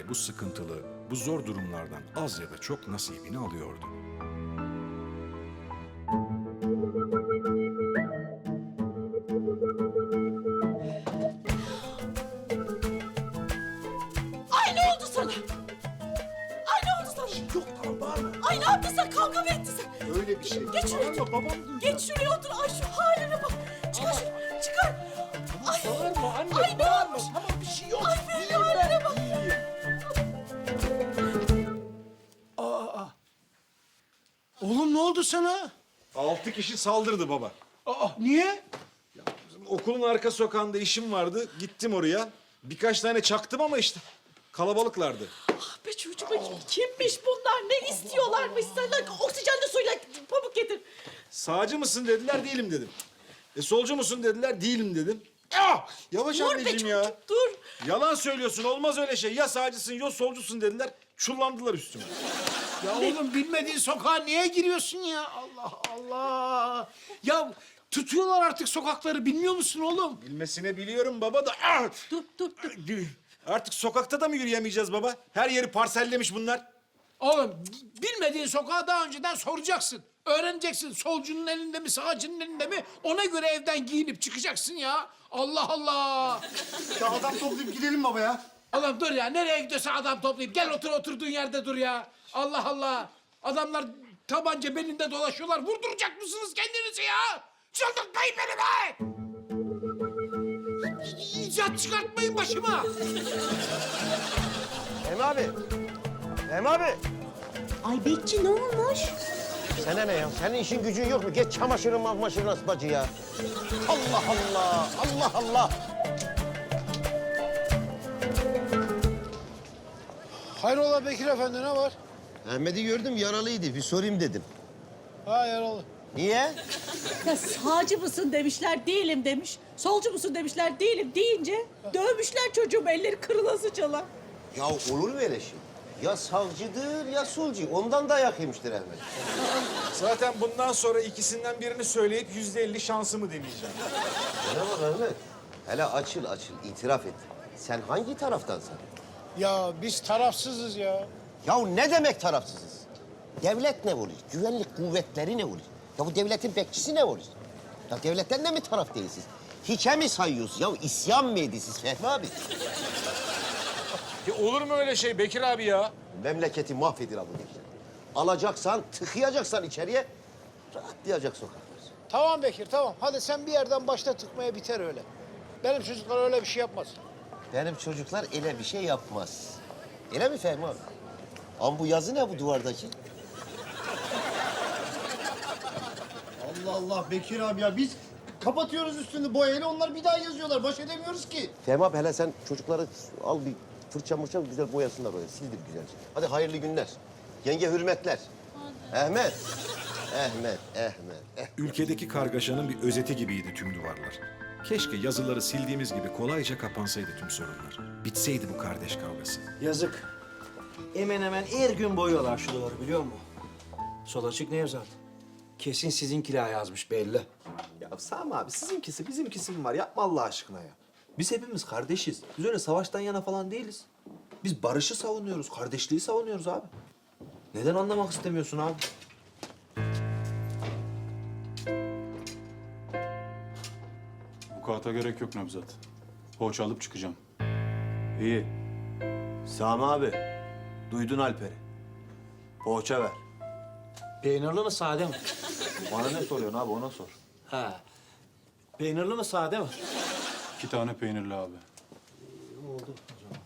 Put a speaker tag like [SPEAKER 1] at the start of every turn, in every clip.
[SPEAKER 1] bu sıkıntılı, bu zor durumlardan az ya da çok nasibini alıyordu.
[SPEAKER 2] Ay ne oldu sana? Ay ne oldu sana?
[SPEAKER 3] Yok tamam bağırma.
[SPEAKER 2] Ay ne yaptın sen? Kavga mı ettin sen?
[SPEAKER 3] Öyle bir şey.
[SPEAKER 2] Geç şuraya.
[SPEAKER 3] Bağırma babam duyacak.
[SPEAKER 2] Geç şuraya otur. Ay şu haline bak. Çıkar şunu. Çıkar. Ay.
[SPEAKER 3] Bağırma anne
[SPEAKER 2] Ay ne
[SPEAKER 3] bağırma.
[SPEAKER 2] olmuş?
[SPEAKER 3] Tamam bir şey yok.
[SPEAKER 2] Ay benim haline bak.
[SPEAKER 3] Oğlum ne oldu sana?
[SPEAKER 4] 6 kişi saldırdı baba.
[SPEAKER 3] Niye?
[SPEAKER 4] Bizim okulun arka sokağında işim vardı. Gittim oraya. Birkaç tane çaktım ama işte kalabalıklardı.
[SPEAKER 2] Ah be çocuğum. Kimmiş bunlar? Ne istiyorlarmış senden? Oksijenli suyla pamuk getir.
[SPEAKER 4] Sağcı mısın dediler, değilim dedim. Solcu musun dediler, değilim dedim. Ah! Yavaş
[SPEAKER 2] Dur be
[SPEAKER 4] anneciğim
[SPEAKER 2] çocuk
[SPEAKER 4] ya.
[SPEAKER 2] dur.
[SPEAKER 4] Yalan söylüyorsun, olmaz öyle şey. Ya sağcısın ya solcusun dediler. Çullandılar üstüme.
[SPEAKER 3] Ya oğlum bilmediğin sokağa niye giriyorsun ya? Allah Allah. Ya tutuyorlar artık sokakları bilmiyor musun oğlum?
[SPEAKER 4] Bilmesine biliyorum baba da. Ah!
[SPEAKER 2] Dur.
[SPEAKER 4] Artık sokakta da mı yürüyemeyeceğiz baba? Her yeri parsellemiş bunlar.
[SPEAKER 3] Oğlum bilmediğin sokağı daha önceden soracaksın. Öğreneceksin solcunun elinde mi sağcının elinde mi? Ona göre evden giyinip çıkacaksın ya. Allah Allah.
[SPEAKER 5] Ya adam toplayıp gidelim baba ya.
[SPEAKER 3] Oğlum dur ya nereye gidiyorsa adam toplayıp gel oturduğun yerde dur ya. Allah Allah. Adamlar tabanca belinde dolaşıyorlar. Vurduracak mısınız kendinizi ya? Çıldırtmayın beni be! İcat çıkartmayın başıma.
[SPEAKER 6] Hem abi. Hem abi.
[SPEAKER 2] Ay Bekçi ne olmuş?
[SPEAKER 6] Sana ne ya? Senin işin gücün yok mu? Geç çamaşırın asbacı ya. Allah Allah. Allah Allah.
[SPEAKER 3] Hayrola Bekir Efendi ne var?
[SPEAKER 6] Ahmet'i gördüm yaralıydı. Bir sorayım dedim.
[SPEAKER 3] Ha yaralı.
[SPEAKER 6] Niye?
[SPEAKER 2] Ya sağcı mısın demişler, değilim demiş. Solcu musun demişler, değilim deyince dövmüşler çocuğum, elleri kırılasıcalar.
[SPEAKER 6] Ya olur mu öyle şey? Ya savcıdır ya solcu. Ondan dayak yemiştir Ahmet.
[SPEAKER 4] Zaten bundan sonra ikisinden birini söyleyip %50 şansımı deneyeceğim.
[SPEAKER 6] Bana bak Ahmet. Hele açıl itiraf et. Sen hangi taraftansın?
[SPEAKER 3] Ya biz tarafsızız ya.
[SPEAKER 6] Ya ne demek tarafsızız? Devlet ne oluyor? Güvenlik kuvvetleri ne oluyor? Ya bu devletin bekçisi ne oluyor? Ya devletten de mi taraf değilsiniz? Hiçe mi sayıyorsunuz? Ya isyan mı ediyorsunuz Fehmi abi?
[SPEAKER 4] Ya olur mu öyle şey Bekir abi ya?
[SPEAKER 6] Memleketi mahvedir abi. Alacaksan, tıkayacaksan içeriye, rahatlayacak sokaklar.
[SPEAKER 3] Tamam Bekir tamam. Hadi sen bir yerden başla tıkmaya biter öyle. Benim çocuklar öyle bir şey yapmaz.
[SPEAKER 6] Benim çocuklar öyle bir şey yapmaz. Öyle mi Fehmi abi? Ama bu yazı ne bu duvardaki?
[SPEAKER 5] Allah Allah Bekir abi ya biz kapatıyoruz üstünü boyayla onlar bir daha yazıyorlar. Baş edemiyoruz ki.
[SPEAKER 6] Fehmi abi hele sen çocukları al bir fırça mırça güzel boyasınlar oraya. Sildir güzelce. Hadi hayırlı günler. Yenge hürmetler. Ahmet.
[SPEAKER 1] Ülkedeki kargaşanın bir özeti gibiydi tüm duvarlar. Keşke yazıları sildiğimiz gibi kolayca kapansaydı tüm sorunlar. Bitseydi bu kardeş kavgası.
[SPEAKER 7] Yazık. Hemen hemen her gün boyuyorlar şu duvarı biliyor musun? Sol açık Nevzat. Kesin sizinkiler yazmış belli.
[SPEAKER 8] Ya Sami abi sizinkisi bizimkisi mi var? Yapma Allah aşkına ya. Biz hepimiz kardeşiz. Biz öyle savaştan yana falan değiliz. Biz barışı savunuyoruz, kardeşliği savunuyoruz abi. Neden anlamak istemiyorsun abi?
[SPEAKER 9] Bu kağıta gerek yok Nevzat. Poğaça alıp çıkacağım.
[SPEAKER 8] İyi. Sami abi, duydun Alper'i. Poğaça ver.
[SPEAKER 7] Peynirli mi sade mi?
[SPEAKER 8] Bana ne soruyorsun abi ona sor.
[SPEAKER 7] Ha. Peynirli mi sade mi?
[SPEAKER 9] 2 tane peynirli abi.
[SPEAKER 7] Oldu o zaman.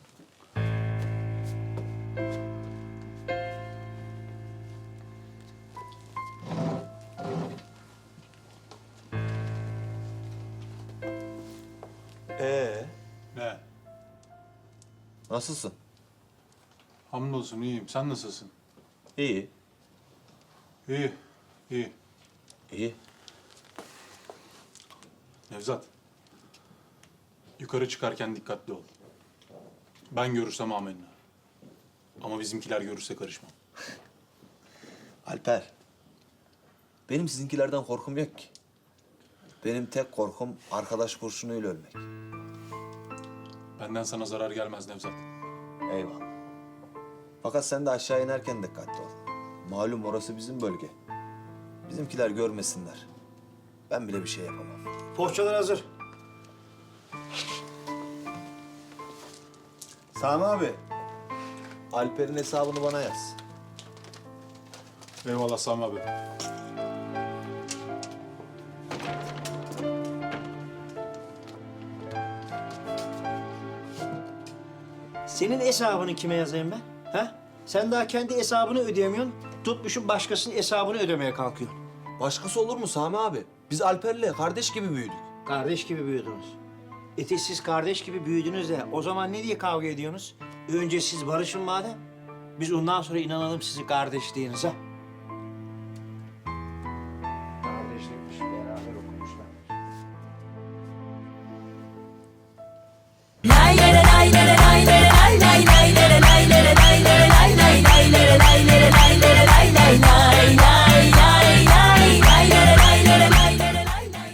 [SPEAKER 9] Ne?
[SPEAKER 8] Nasılsın?
[SPEAKER 9] Hamdolsun iyiyim. Sen nasılsın?
[SPEAKER 8] İyi.
[SPEAKER 9] İyi. İyi.
[SPEAKER 8] İyi.
[SPEAKER 9] Nevzat. Yukarı çıkarken dikkatli ol. Ben görürsem amenna. Ama bizimkiler görürse karışmam.
[SPEAKER 8] Alper. Benim sizinkilerden korkum yok ki. Benim tek korkum arkadaş kurşunuyla ölmek.
[SPEAKER 9] Benden sana zarar gelmez Nevzat.
[SPEAKER 8] Eyvallah. Fakat sen de aşağı inerken dikkatli ol. Malum orası bizim bölge. Bizimkiler görmesinler. Ben bile bir şey yapamam.
[SPEAKER 7] Poğaçalar hazır.
[SPEAKER 8] Sami abi, Alper'in hesabını bana yaz.
[SPEAKER 9] Eyvallah Sami abi.
[SPEAKER 7] Senin hesabını kime yazayım ben? Ha? Sen daha kendi hesabını ödeyemiyorsun. Tutmuşsun başkasının hesabını ödemeye kalkıyorsun.
[SPEAKER 8] Başkası olur mu Sami abi? Biz Alper'le kardeş gibi büyüdük.
[SPEAKER 7] Kardeş gibi büyüdünüz. Siz kardeş gibi büyüdünüz de o zaman ne diye kavga ediyorsunuz? Önce siz barışın madem. Biz ondan sonra inanalım sizin kardeşliğinize.